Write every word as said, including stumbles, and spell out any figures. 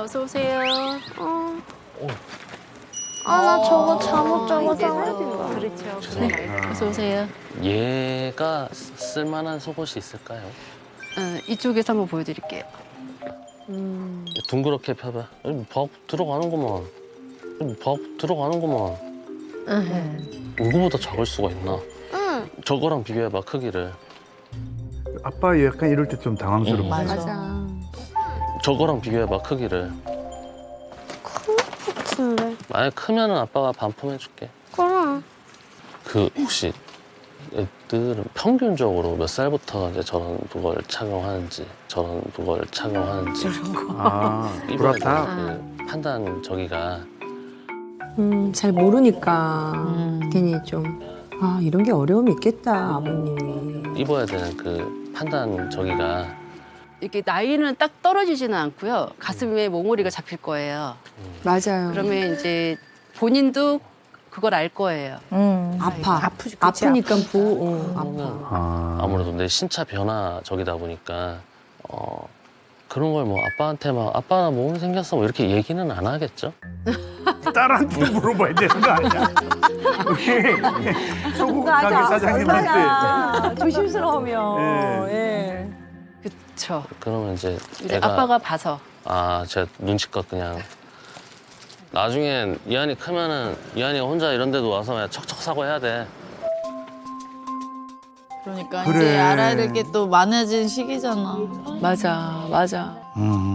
어서 오세요. 어. 아, 나 저거 잠옷 적었잖아. 그렇죠. 네. 어서 오세요. 얘가 쓰- 쓸만한 속옷이 있을까요? 어, 이쪽에서 한번 보여드릴게요. 둥그렇게 펴봐. 여기 박 들어가는구만. 여기 박 들어가는구만. 이거보다 작을 수가 있나? 응. 저거랑 비교해봐, 크기를. 아빠 약간 이럴 때 좀 당황스럽고. 맞아. 저거랑 비교해봐, 크기를. 같은데. 만약 크면은 아빠가 반품해줄게. 그럼. 그 혹시 애들은 평균적으로 몇 살부터 이제 저런 그걸 착용하는지, 저런 그걸 착용하는지. 아, 이번에 그렇다. 그 판단 저기가 음, 잘 모르니까 음. 괜히 좀, 아, 이런 게 어려움이 있겠다, 아버님이. 입어야 되는 그 판단 저기가 이렇게 나이는 딱 떨어지지는 않고요. 가슴에 몽우리가 잡힐 거예요. 맞아요. 그러면 이제 본인도 그걸 알 거예요. 음. 아파. 아프지, 그치? 아프니까 보, 어, 그러면 아파. 아, 아무래도 내 신차 변화 저기다 보니까 어 그런 걸 뭐 아빠한테 막 아빠 나 몸 생겼어 뭐 이렇게 얘기는 안 하겠죠? 딸한테 물어봐야 되는 거 아니야? 소국 가게 사장님한테. 얼마나 조심스러우면. 예. 그렇죠. 그러면 이제 이제 애가 아빠가 봐서. 아 제가 눈치껏 그냥 나중엔 이한이 크면은 이한이가 혼자 이런 데도 와서 그냥 척척 사고 해야 돼. 그러니까 그래. 이제 알아야 될 게 또 많아진 시기잖아. 맞아, 맞아. 음.